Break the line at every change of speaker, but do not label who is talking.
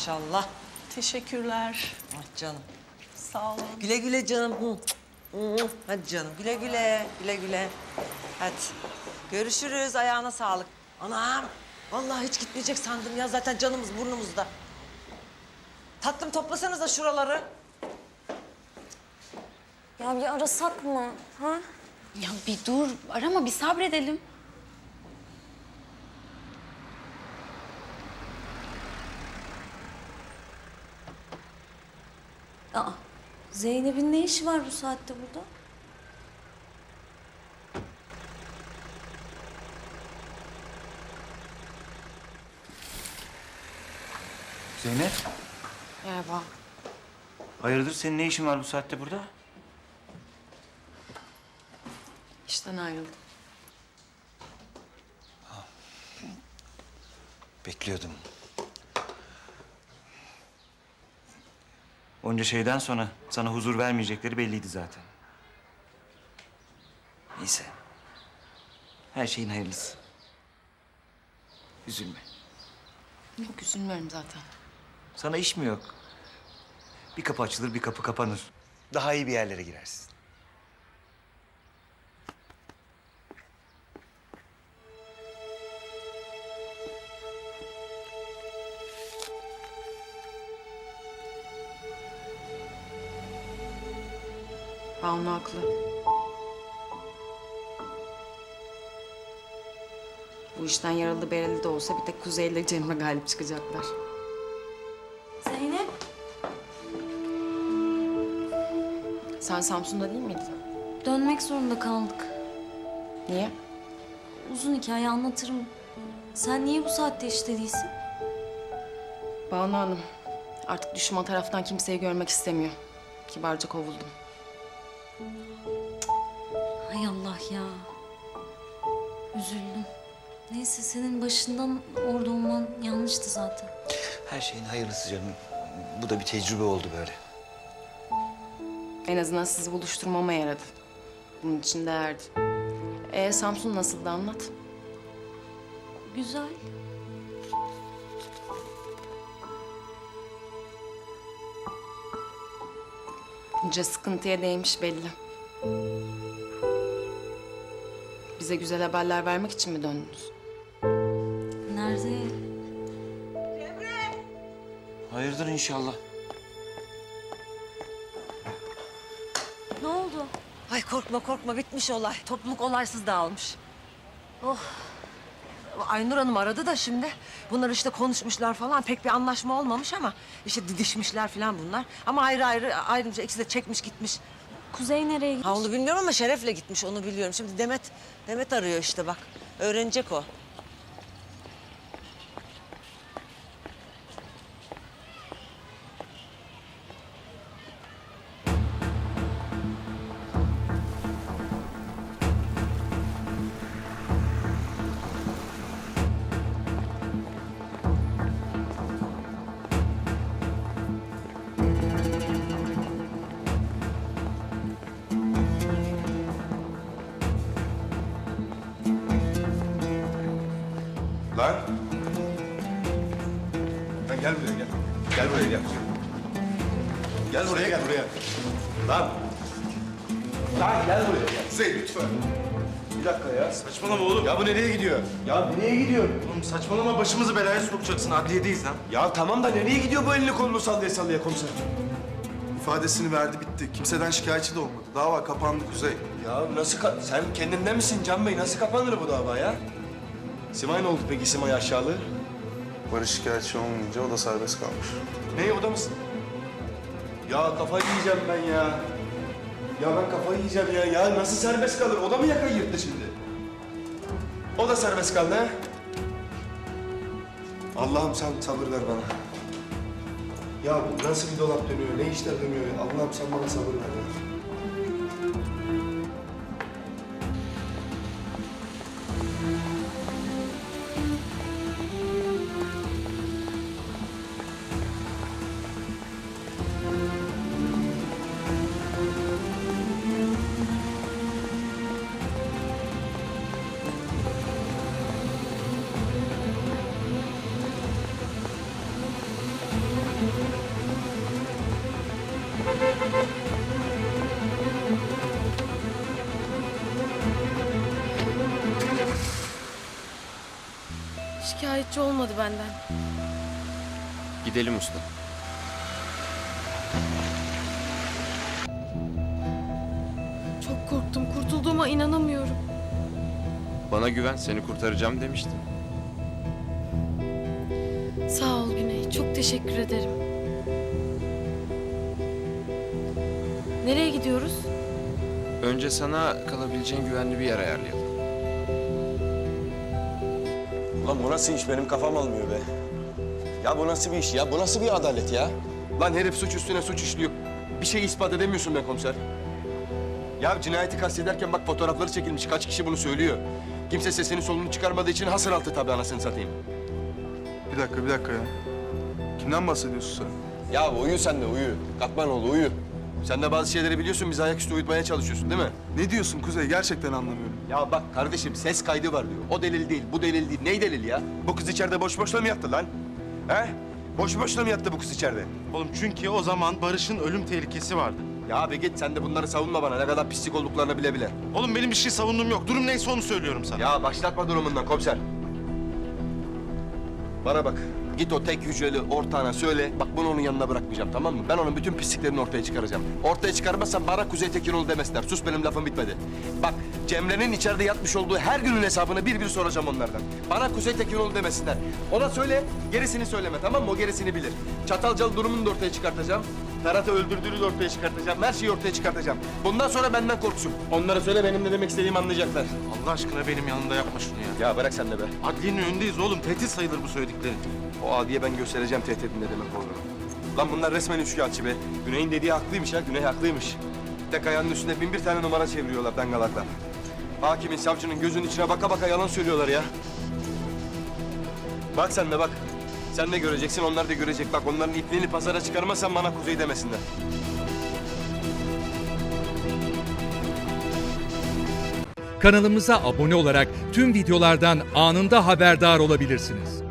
maşallah.
Teşekkürler.
Ah canım.
Sağ olun.
Güle güle canım. Hadi canım güle güle. Güle güle. Hadi. Görüşürüz. Ayağına sağlık. Anam. Vallahi hiç gitmeyecek sandım ya. Zaten canımız burnumuzda. Tatlım toplasanıza şuraları.
Ya bir arasak mı? Ha?
Ya bir dur, arama bir sabredelim.
Aa, Zeynep'in ne işi var bu saatte burada?
Zeynep,
Merhaba.
hayırdır senin ne işin var bu saatte burada?
İşten ayrıldım.
Bekliyordum. Onca şeyden sonra sana huzur vermeyecekleri belliydi zaten. Neyse. Her şeyin hayırlısı. Üzülme.
Yok üzülmüyorum zaten.
Sana iş mi yok? Bir kapı açılır, bir kapı kapanır. Daha iyi bir yerlere girersin.
Banu haklı. Bu işten yaralı bereli de olsa bir tek Kuzey ile Cemre galip çıkacaklar.
Zeynep.
Sen Samsun'da değil miydin?
Dönmek zorunda kaldık.
Niye?
Uzun hikaye anlatırım. Sen niye bu saatte işte değilsin?
Banu Hanım, artık düşman taraftan kimseyi görmek istemiyor. Kibarca kovuldum.
Hay Allah ya. Üzüldüm. Neyse senin başından orada olman yanlıştı zaten.
Her şeyin hayırlısı canım. Bu da bir tecrübe oldu böyle.
En azından sizi buluşturmama yaradı. Bunun için değerdi. Samsun nasıldı anlat.
Güzel.
Bunca sıkıntıya değmiş belli. Bize güzel haberler vermek için mi döndünüz?
Nerede?
Hayırdır inşallah.
Ne oldu?
Ay korkma korkma bitmiş olay. Topluluk olaysız dağılmış. Oh. Aynur Hanım aradı da şimdi. Bunlar işte konuşmuşlar falan. Pek bir anlaşma olmamış ama işte didişmişler falan bunlar. Ama ayrı ayrı ayrıca ikisi de çekmiş gitmiş.
Kuzey nereye gitmiş?
Ha onu bilmiyorum ama Şeref'le gitmiş onu biliyorum. Şimdi Demet arıyor işte bak. Öğrenecek o.
Lan. Lan gel buraya gel. Gel buraya gel. Gel buraya gel buraya. Lan. Lan gel buraya gel. Kuzey lütfen. Bir dakika ya. Saçmalama oğlum. Ya bu nereye gidiyor? Ya nereye gidiyor? Oğlum saçmalama başımızı belaya sokacaksın. Adliyedeyiz lan. Ya tamam da nereye gidiyor bu elini kolunu sallaya sallaya komiser?
İfadesini verdi, bitti. Kimseden şikayetçi de olmadı. Dava kapandı Kuzey.
Ya nasıl sen kendinde misin Can Bey? Nasıl kapanır bu dava ya? Simay ne oldu peki Simay aşağılığı?
Barış şikayetçi olmayınca o da serbest kalmış.
Ne oda mısın? Ya kafayı yiyeceğim ben ya. Ya ben kafayı yiyeceğim ya. Ya nasıl serbest kalır? O da mı yakayı yırttı şimdi? O da serbest kaldı ha? Allah'ım sen sabır ver bana. Ya bu nasıl bir dolap dönüyor? Ne işler dönüyor? Allah'ım sen bana sabır ver ya.
Şikayetçi olmadı benden.
Gidelim usta.
Çok korktum. Kurtulduğuma inanamıyorum.
Bana güven, seni kurtaracağım demiştim.
Sağ ol Güney. Çok teşekkür ederim. Nereye gidiyoruz?
Önce sana kalabileceğin güvenli bir yer ayarlayalım.
Lan bu nasıl iş? Benim kafam almıyor be. Ya bu nasıl bir iş ya? Bu nasıl bir adalet ya? Lan herif suç üstüne suç işliyor. Bir şey ispat edemiyorsun be komiser. Ya cinayeti kastederken bak fotoğrafları çekilmiş. Kaç kişi bunu söylüyor. Kimse sesini solunu çıkarmadığı için hasır altı tabii anasını satayım.
Bir dakika ya. Kimden bahsediyorsun sen?
Ya uyu sen de uyu. Katmanoğlu uyu. Sen de bazı şeyleri biliyorsun, bizi ayaküstü uyutmaya çalışıyorsun değil mi?
Ne diyorsun Kuzey? Gerçekten anlamıyorum.
Ya bak kardeşim ses kaydı var diyor. O delil değil, bu delil değil. Ney delil ya? Bu kız içeride boş boşuna mı yattı lan? He? Boş boşuna mı yattı bu kız içeride?
Oğlum çünkü o zaman Barış'ın ölüm tehlikesi vardı.
Ya abi git sen de bunları savunma bana. Ne kadar pislik olduklarını bile bile.
Oğlum benim bir şey savunduğum yok. Durum neyse onu söylüyorum sana.
Ya başlatma durumundan komiser. Bana bak. Git o tek hücreli ortağına söyle. Bak bunu onun yanına bırakmayacağım tamam mı? Ben onun bütün pisliklerini ortaya çıkaracağım. Ortaya çıkarmazsam bana Kuzey Tekinoğlu demesinler. Sus benim lafım bitmedi. Bak Cemre'nin içeride yatmış olduğu her günün hesabını bir bir soracağım onlardan. Bana Kuzey Tekinoğlu demesinler. Ona söyle, gerisini söyleme tamam mı? O gerisini bilir. Çatalcalı durumunu da ortaya çıkartacağım. Ferhat'ı öldürdüğünü de ortaya çıkartacağım. Her şeyi ortaya çıkartacağım. Bundan sonra benden korksun. Onlara söyle benim ne demek istediğimi anlayacaklar.
Allah aşkına benim yanımda yapma şunu ya.
Ya bırak sen de be.
Adliyenin önündeyiz oğlum. Tehdit sayılır bu söylediklerin.
O adiye ben göstereceğim tehditin ne demek olduğunu. Lan bunlar resmen üçkağıtçı be. Güney'in dediği haklıymış ha, Güney haklıymış. Tek ayağının üstünde bin bir tane numara çeviriyorlar dangalaklar. Hakimin, savcının gözünün içine baka baka yalan söylüyorlar ya. Bak sen de bak. Sen de göreceksin, onlar da görecek. Bak onların ipliğini pazara çıkarmazsan bana Kuzey demesinler.
Kanalımıza abone olarak tüm videolardan anında haberdar olabilirsiniz.